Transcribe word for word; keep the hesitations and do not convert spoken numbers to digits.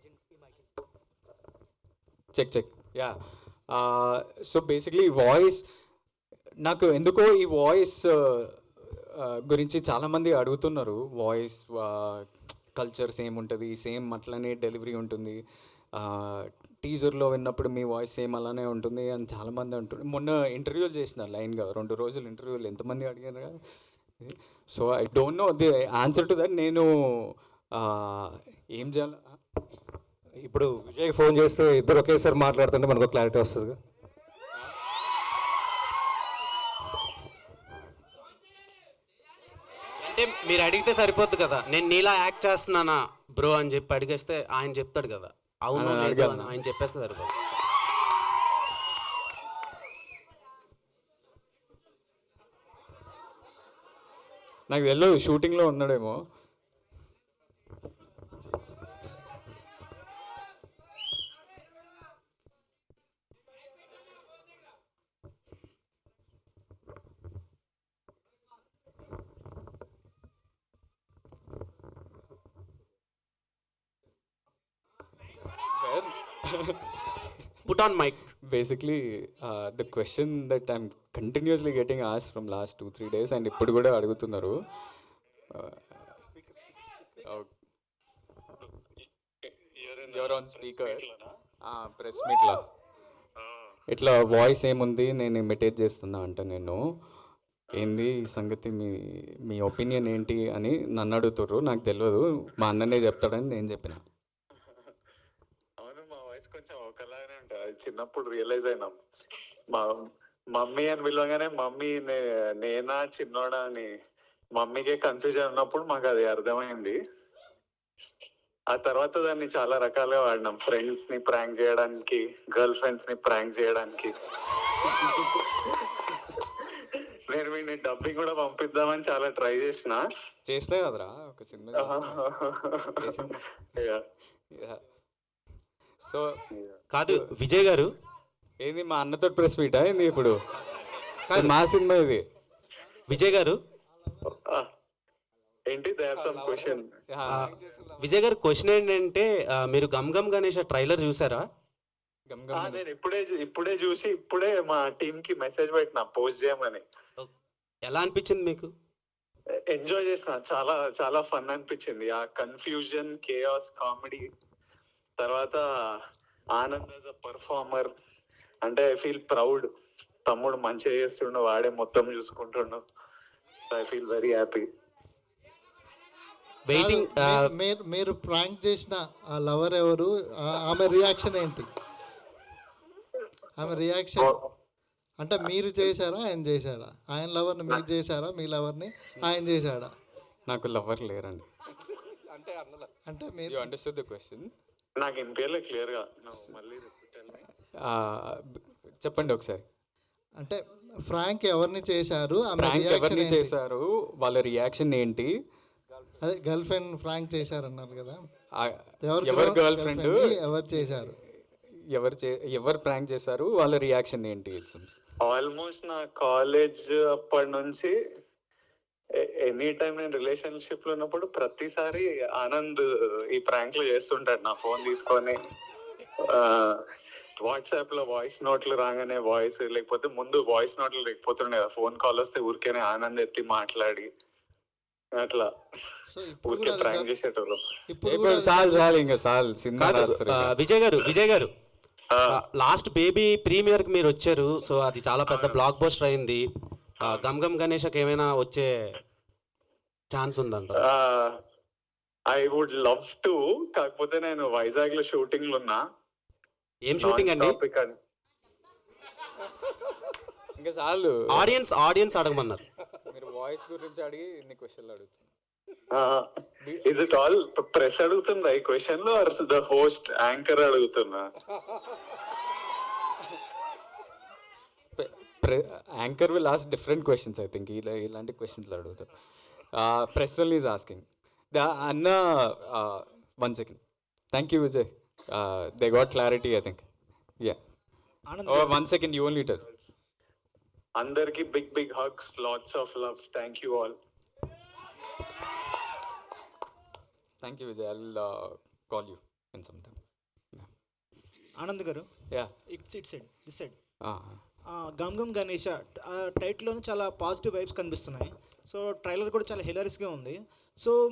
Check check yeah. So basically voice, నాకు ఎందుకో ఈ వాయిస్ గురించి చాలామంది అడుగుతున్నారు. వాయిస్ కల్చర్ సేమ్ ఉంటుంది, సేమ్ అట్లనే డెలివరీ ఉంటుంది, టీజర్లో విన్నప్పుడు మీ వాయిస్ సేమ్ అలానే ఉంటుంది అని చాలామంది అంటున్నారు. మొన్న ఇంటర్వ్యూలు చేసిన లైన్గా రెండు రోజులు ఇంటర్వ్యూలు ఎంతమంది అడిగారు కదా. So I don't know the answer to that. నేను uh, ఏం చేయాలి ఇప్పుడు విజయ్ ఫోన్ చేస్తే ఇద్దరు ఒకేసారి మాట్లాడుతుంటే మనకు క్లారిటీ వస్తుంది. అంటే మీరు అడిగితే సరిపోద్ది కదా, నేను నీలా యాక్ట్ చేస్తున్నానా బ్రో అని చెప్పి అడిగేస్తే ఆయన చెప్తాడు కదా, అవును ఆయన లేదు అడగాలి. అని ఆయన చెప్పేస్తే సరిపోద్ది. నాకు తెలియదు, షూటింగ్లో ఉన్నాడేమో. Put on mic. Basically the question that I'm continuously getting ఆస్ from last two three days and ఇప్పుడు కూడా అడుగుతున్నారు. యువర్ ఆన్ స్పీకర్ ప్రెస్ మీట్లో ఇట్లా వాయిస్ ఏముంది, నేను ఇమిటేట్ చేస్తున్నా అంట. నేను ఏంది ఈ సంగతి, మీ మీ ఒపీనియన్ ఏంటి అని నన్ను అడుగుతుర్రు. నాకు తెలియదు, మా అన్ననే చెప్తాడని నేను చెప్పిన. అవును, మా వాయిస్ కొంచెం ఒకలాగానే ఉంటుంది. అది చిన్నప్పుడు రియలైజ్ అయినాం. మా మమ్మీ అని పిలవగానే మమ్మీ నే- నేనా చిన్నోడా అని మమ్మీకే కన్ఫ్యూజన్ ఉన్నప్పుడు మాకు అది అర్థమైంది. ఆ తర్వాత దాన్ని చాలా రకాలుగా వాడినాం. ఫ్రెండ్స్ ని ప్రాంక్ చేయడానికి, గర్ల్ ఫ్రెండ్స్ ని ప్రాంక్ చేయడానికి. నేను వీడిని డబ్బింగ్ కూడా పంపిద్దామని చాలా ట్రై చేసిన. చేస్తే కదరా ఒక సినిమా సో కాదు విజయ్ గారు, ఏంది మా అన్నతో ప్రెస్ మీటా ఏంది ఇప్పుడు? కాదు మా సినిమా ఇది. విజయ్ గారు ఏంటి, దే హావ్ సమ్ క్వశ్చన్. ఆ, విజయ్ గారు క్వశ్చన్ ఏంటంటే, ఆ, మీరు గమ్ గమ్ గణేష్ ట్రైలర్ చూసారా? గమ్ గమ్ అని. నేను ఇప్పుడే చూ- ఇప్పుడే చూసి ఇప్పుడే మా టీమ్ కి మెసేజ్ పెట్టిన పోస్ట్ చేయమని. ఎలా అనిపించింది మీకు? ఎంజాయ్ చేసిన, చాలా చాలా ఫన్ అనిపించింది. ఆ కన్ఫ్యూజన్, కేయాస్, కామెడీ, తర్వాత ఆనంద్ యాజ్ అ పర్ఫార్మర్. అంటే ఐ ఫీల్ ప్రౌడ్. తమ్ముడు మంచిగా చేస్తుండు, వాడే మొత్తం చూసుకుంటుండు. So I feel very happy. Waiting. కాదు, మీ- మీరు మీరు ప్రాంక్ చేసిన ఆ లవర్ ఎవరు? ఆ- ఆమె రియాక్షన్ ఏంటి? ఆమె రియాక్షన్ అంటే మీరు చేశారా, ఆయన చేశాడా? ఆయన లవర్ని మీరు చేశారా, మీ లవర్ని ఆయన చేశాడా? నాకు లవర్ లేరండి. అంటే మీరు యూ అండర్స్టూడ్ ద క్వశ్చన్? నాకు ఇంపేర్లే క్లియర్ గా. నువ్వు మళ్ళీ tell me. చెప్పండి ఒకసారి. అంటే ఫ్రాంక్ ఎవరిని చేశారు, ఆమె ప్రాంక్ రియాక్షన్ ఎవరిని ఏంటి? చేశారు, వాళ్ళ రియాక్షన్ ఏంటి? అదే గర్ల్ ఫ్రెండ్ ఫ్రాంక్ చేశారన్నారు కదా, ఆ, ఎవరు ఎవరు గర్ల్ ఫ్రెండ్, ఎవరు చేశారు? ఎవరు చే ఎవరు ప్రాంక్ చేశారు, వాళ్ళ రియాక్షన్ ఏంటి? ఆల్మోస్ట్ నా కాలేజ్ అప్పటి నుంచి ఎనీ టైం నేను రిలేషన్షిప్ లో ఉన్నప్పుడు ప్రతిసారి ఆనంద్ ఈ ప్రాంక్లు చేస్తుంటాడు. నా ఫోన్ తీసుకొని వాట్సాప్ లో వాయిస్ నోట్లు రాగానే వాయిస్, లేకపోతే ముందు వాయిస్ నోట్లు లేకపోతుండే, ఫోన్ కాల్ వస్తే ఊరికేనే ఆనంద్ ఎత్తి మాట్లాడి అట్లా సో ఇప్పుడు ఊరికే కూడా అది ప్రాంక్ జరు- చేసేటోళ్ళు. ఇప్పుడు కూడా అది చాలు చాలు ఇంకా చాలు సినిమా కాదు రాస్తారు ఆ, ఇంకా. విజయ్ గారు విజయ్ గారు ఆ, లాస్ట్ బేబీ ప్రీమియర్ కి మీరు వచ్చారు. సో అది చాలా పెద్ద బ్లాక్ బస్టర్ అయింది. ఆ, గమ్ గమ్ గణేష్కి ఏమైనా వచ్చే ఛాన్స్ ఉందంట? ఐ వుడ్ లవ్ టు, కాకపోతే నేను వైజాగ్ లో షూటింగ్ లో ఉన్నా. ఏం షూటింగ్ అండి? Non-stop ఇక్కడ. ఇంకా చాలు. ఆడియన్స్ ఆడియన్స్ అడగమన్నారు. మీరు వాయిస్ గురించి అడిగి ఇన్ని క్వశ్చన్లు అడుగుతున్నారు. ఇస్ ఇట్ ఆల్ ప్రెస్ అడుగుతుందా ఈ క్వశ్చన్ లో, ఆర్ ద హోస్ట్ యాంకర్ అడుగుతున్నా? Anchor will ask different questions I think. ఇలా ఇలాంటి క్వశ్చన్లు అడుగుతారు. Press one is asking the అన్న. One second. Thank you Vijay. They got clarity I think. Yeah, one second, you only tell. అందరికి big big hugs, lots of love. Thank you all. Thank you Vijay. I will call you. In some time. Anand garu, yeah it's it side this side Gam Gam Ganesha టైటిల్లోనే చాలా positive vibes కనిపిస్తున్నాయి. So trailer కూడా చాలా హిలరీస్గా ఉంది. So